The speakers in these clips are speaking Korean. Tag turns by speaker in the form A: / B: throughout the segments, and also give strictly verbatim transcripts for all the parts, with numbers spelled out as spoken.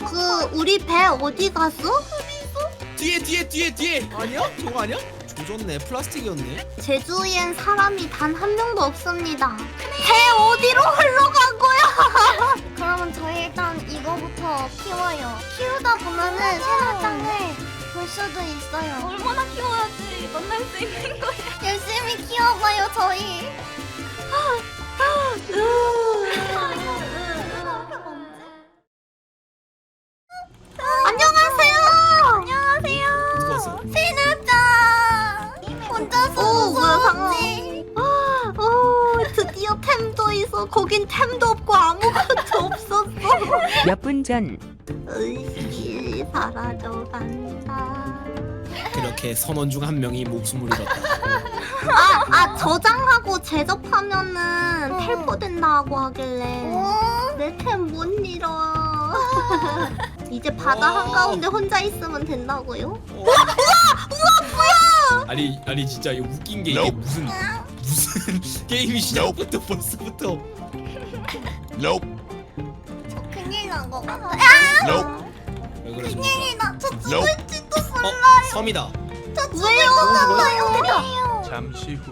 A: 그 우리 배 어디 갔어?
B: 뒤에 뒤에 뒤에 뒤에. 아니야? 저거 아니야? 조졌네. 플라스틱이었네.
A: 제주엔 사람이 단 한 명도 없습니다. 배 어디로 흘러간 거야?
C: 그러면 저희 일단 이거부터 키워요. 키우다 보면은 새날장을 볼 수도 있어요.
D: 얼마나 키워야지 만날 수 있는 거야.
C: 열심히 키워봐요 저희.
A: 안녕하세요.
C: 안녕하세요.
B: 누웠어?
C: 새날장. 혼자서
A: 오, 뭐야,
C: 무서웠지.
A: 오, 드디어 템도 있어. 거긴 템도 없고 아무것도 없었어.
E: 몇 분 전
A: 의식이 사라져간다.
B: 그렇게 선원 중 한 명이 목숨을 잃었다.
A: 아, 아 저장하고 제접하면은 텔포 된다고 하길래
C: 오.
A: 내 템 못 잃어. 이제 바다
B: 오.
A: 한가운데 혼자 있으면 된다고요?
B: 어. 아니 아니 진짜 이거 웃긴 게 이게 무슨 무슨 게임이 시작부터 벌써부터.
C: 저 큰일 난 거 같아.
B: 왜 그래 저거?
C: 큰일이 나. 저 죽을지도 몰라.
B: 어 섬이다.
C: 저 죽을 것 같아요.
F: 잠시 후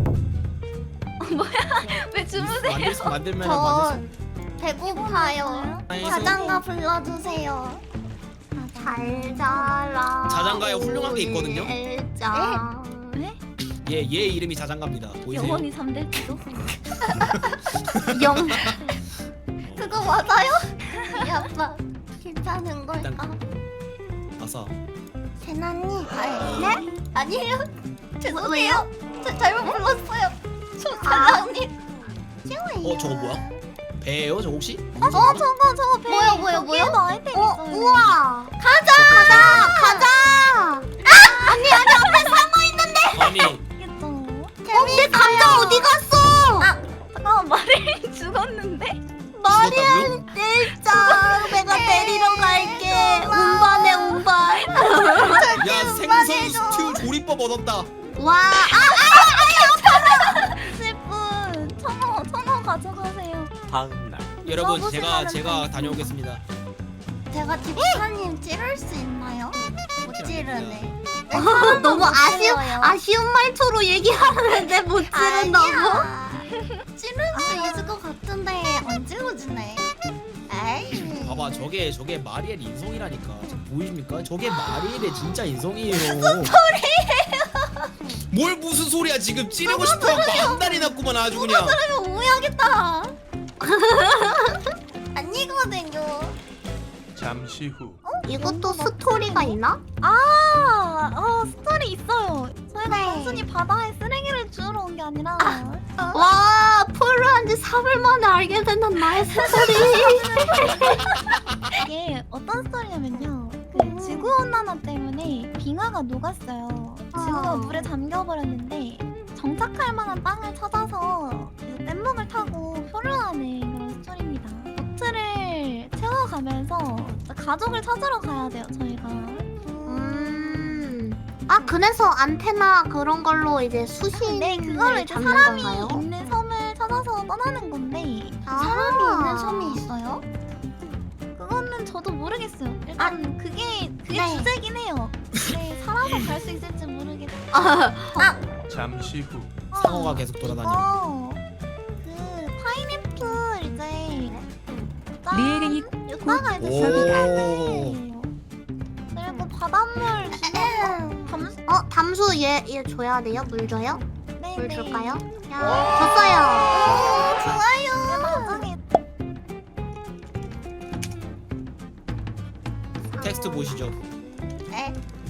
D: 왜 주무세요?
B: 만들 수 만들면
C: 저
B: 만들
C: 배고파요.
B: 수.
C: 자장가 불러주세요.
A: 잘 자라.
B: 자장가에 훌륭한 게 있거든요?
A: 엘자.
D: 네?
B: 얘얘 얘 이름이 자장가입니다. 보이세요?
D: 영원히 잠들지도.
A: 영.
C: 그거 맞아요? 이 아빠 괜찮은 걸까?
B: 아싸.
C: 세나님. 네? 아니에요. 죄송해요. 저 잘못 불렀어요. 저 사장님.
B: 어 저거 뭐야? 배예요? 저 혹시?
C: 어 저거 저거 배. 뭐야 뭐야 뭐야?
D: 아이템
A: 어,
D: 있어요.
A: 우와. 가자. 가자. 가자. 아, 아니 아니 앞에 상어 있는데.
B: 아니
D: 있겠죠.
A: 어, 내 감자 어디 갔어?
C: 아.
D: 잠깐만 말이 죽었는데?
A: 마리안 일자 내가 데리러 갈게. 운반해 운반.
B: 야 생선 스튜 조리법 얻었다.
A: 와. 아,
D: 슬픈 천원 천원 가져가세요.
F: 다음 날
B: 여러분
D: 써보시면은
B: 제가 제가
D: 다
B: 다녀오겠습니다.
C: 제가 집사님 찌를 수 있나요? 못 찌르네.
A: 너무 아쉬운
C: 찔러요.
A: 아쉬운 말투로 얘기하는데 못 찌른다고?
C: 아니야. 찌를 수 있을 것 같은데 안 찔러지네. 에이.
B: 봐봐 저게 저게 마리엘 인성이라니까. 지금 보이십니까? 저게 마리엘의 진짜 인성이에요. 무슨 소리예요? 뭘 무슨 소리야 지금 찌르고 싶어 한 달이 났구만 아주 그냥.
C: 그러면 오해하겠다. 아니거든요.
F: 잠시 후
A: 이것도 스토리가 있나?
D: 아, 어 스토리 있어요. 저희가
C: 네.
D: 단순히 바다에 쓰레기를 주우러 온 게 아니라
A: 와, 풀을 한 지 삼 일 만에 알게 된단 나의 스토리.
D: 이게 어떤 스토리냐면요. 그 지구 온난화 때문에 빙하가 녹았어요. 지구가
A: 아.
D: 물에 잠겨버렸는데 정착할 만한 땅을 찾아서 이제 뗏목을 타고 표류하는 그런 스토리입니다. 보트를 채워가면서 가족을 찾으러 가야 돼요. 저희가.
A: 음. 아, 그래서 안테나 그런 걸로 이제 수신을
D: 네, 그걸로 이제
A: 잡는
D: 사람이
A: 건가요?
D: 있는 섬을 찾아서 떠나는 건데
A: 아.
C: 사람이 있는 섬이 있어요?
D: 그거는 저도 모르겠어요. 일단 그게 그게
C: 네.
D: 주제긴 해요. 근데 살아서 갈 수 있을지 모르겠어요.
A: 아,
F: 잠시 후
B: 상어가 계속 돌아다녀.
D: 어, 그 파인애플 이제 짠
E: 리에링이
D: 이따가 이제
B: 오.
D: 수확해요. 그리고 바닷물 주는 담수
A: 어, 담수 얘, 얘 줘야 돼요? 물 줘요?
D: 네,
A: 물
D: 네.
A: 줄까요? 야, 줬어요.
C: 좋아요.
D: 나중에
B: 텍스트 보시죠.
C: 네.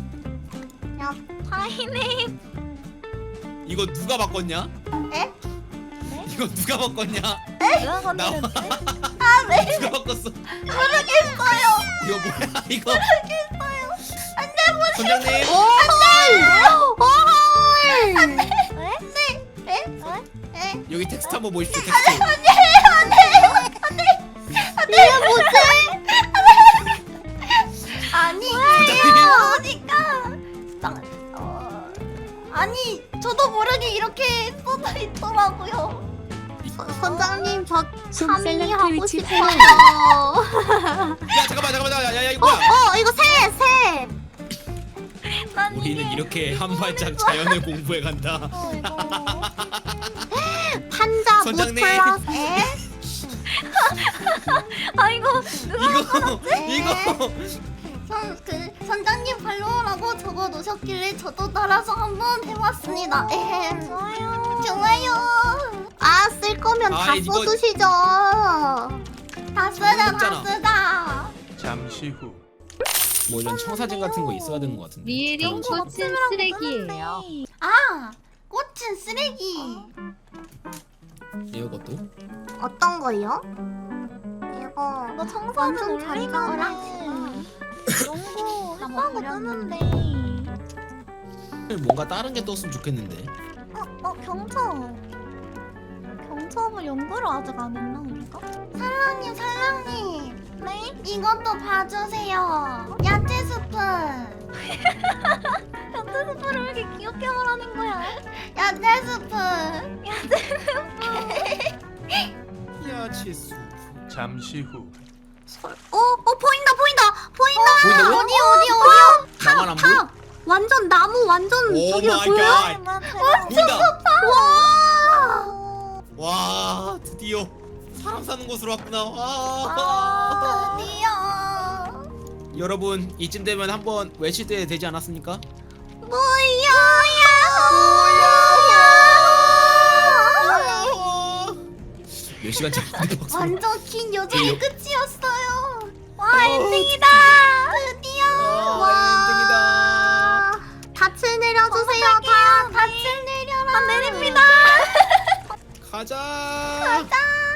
D: 파인애플
B: 이거 누가 바꿨냐?
C: 에?
D: 네?
B: 이거 누가 바꿨냐?
D: 누가 건드렸지?
B: 누가 바꿨어?
C: 모르겠어요.
B: 이거 뭐야 이거? 모르겠어요. 안돼 보세요. 선장님.
D: 왜?
C: 에?
B: 여기 텍스트 한번 보십시오. 텍스트.
A: 이게 뭐지?
C: 아니
B: 선장님.
C: 어디가? 나- 어, 아니 저도 모르게 이렇게 써져 있더라고요.
A: 서- 선장님, 저
E: 솜살랑
A: 참여하고
E: 트위치
A: 싶어요.
B: 야 잠깐만 잠깐만 야, 야, 우리는 이렇게 한 발짝 자연을 공부해 간다.
D: 어, 이거.
A: 판자
B: 선장님.
A: 무플러스 에?
D: 아 이거
B: 이거 이거
C: 선, 그 선장님 발로라고 적어 놓으셨길래 저도 따라서 한번 해봤습니다. 에헴.
D: 좋아요.
C: 좋아요.
A: 아, 쓸 거면
B: 아,
A: 다
B: 이거-
A: 써두시죠.
C: 다 쓰자, 다
B: 했잖아.
C: 쓰자.
F: 잠시 후
B: 뭐 이런 청사진 같은 거 있어야 되는 것 같은데.
G: 리에링
B: 잠깐만.
G: 꽃은 쓰레기예요.
C: 아, 꽃은 쓰레기.
B: 이것도
A: 어떤 거요? 이거
D: 이거 청소는
A: 완전 잘
D: 올리면은 연구
C: 다
D: 했다고
C: 먹으렸는데.
D: 뜨는데.
B: 뭔가 다른 게 떴으면 좋겠는데.
D: 어, 어 경첩. 경첩을 연구를 아직 안 했나 우리가?
C: 살랑님, 살랑님.
D: 네?
C: 이것도 봐주세요. 야채 스프.
D: 현재 스프를 왜 이렇게 귀엽게 말하는 거야?
C: 야채 스프.
B: 야채수.
F: 잠시 후
A: 어, 어 보인다 보인다 보인다.
B: 보인다고?
C: 어디, 어디, 어디요?
B: 나만 안 보여?
A: 완전 나무 완전
B: 오
A: 저기가
B: 마이
A: 보여요?
B: 갓.
D: 나 제가
B: 보인다.
A: 와.
B: 와 드디어 사람 사는 곳으로 왔구나. 와.
C: 아, 드디어.
B: 여러분 이쯤 되면 한번 외칠 때 되지 않았습니까? 몇 시간 잡았는데 박수.
C: 완전 긴 여정의 끝이었어요.
B: 와 엔딩이다.
C: 드디어.
B: 와 엔딩이다.
A: 닻을 내려주세요. 다.
C: 닻을 내려라.
A: 내립니다.
B: 가자.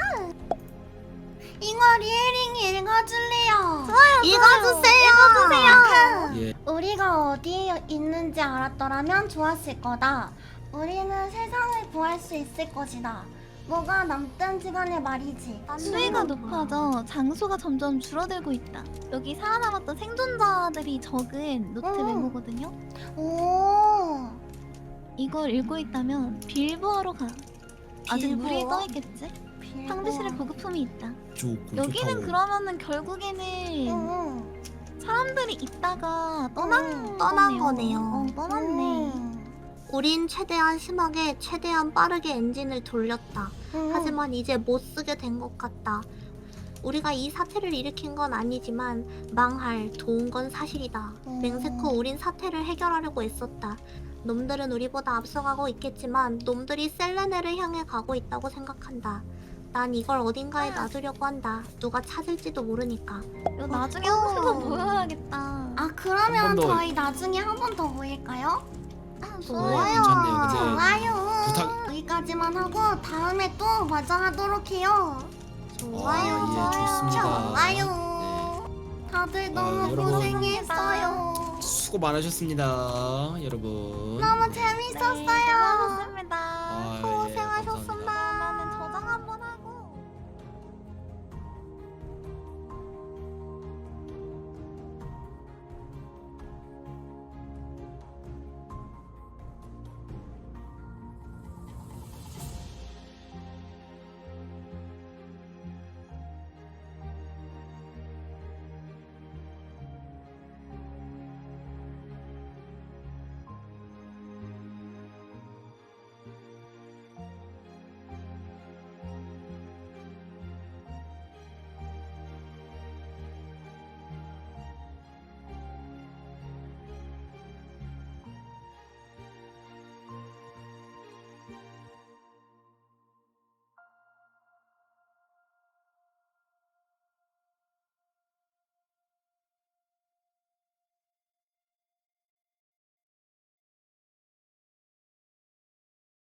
C: 이거 리에링이 읽어줄래요.
A: 읽어주세요. 읽어주세요.
B: 예.
C: 우리가 어디에 있는지 알았더라면 좋았을 거다. 우리는 세상을 구할 수 있을 것이다. 뭐가 남든지 간에 말이지.
D: 수위가 높아져 장수가 점점 줄어들고 있다. 여기 살아남았던 생존자들이 적은 노트
C: 음.
D: 메모거든요.
C: 오.
D: 이걸 읽고 있다면 빌보하러 가. 아직
C: 빌보어?
D: 물이 떠 있겠지? 상비실에 보급품이 있다.
B: 좋고
D: 여기는
B: 좋다고.
D: 그러면은 결국에는
C: 응.
D: 사람들이 있다가 떠난
C: 음,
A: 떠난 거네요.
D: 어, 떠났네.
A: 우린 최대한 심하게 최대한 빠르게 엔진을 돌렸다.
C: 음.
A: 하지만 이제 못 쓰게 된 것 같다. 우리가 이 사태를 일으킨 건 아니지만 망할 도운 건 사실이다.
C: 음.
A: 맹세코 우린 사태를 해결하려고 애썼다. 놈들은 우리보다 앞서가고 있겠지만 놈들이 셀레네를 향해 가고 있다고 생각한다. 난 이걸 어딘가에 놔두려고 한다. 누가 찾을지도 모르니까.
D: 이거 나중에 한 번 더
C: 어.
D: 보여야겠다.
C: 아 그러면
B: 한번 더.
C: 저희 나중에 한 번 더 모일까요?
A: 아,
B: 네,
A: 좋아요.
B: 괜찮네요. 근데
C: 좋아요.
B: 부탁-
C: 여기까지만 하고 다음에 또 마저 하도록 해요.
A: 좋아요.
B: 아, 예, 좋습니다.
C: 좋아요. 다들 너무
B: 아, 여러분.
C: 고생했어요.
B: 수고 많으셨습니다, 여러분.
C: 너무
D: 네,
C: 재밌었어요.
D: 고맙습니다.
B: 아,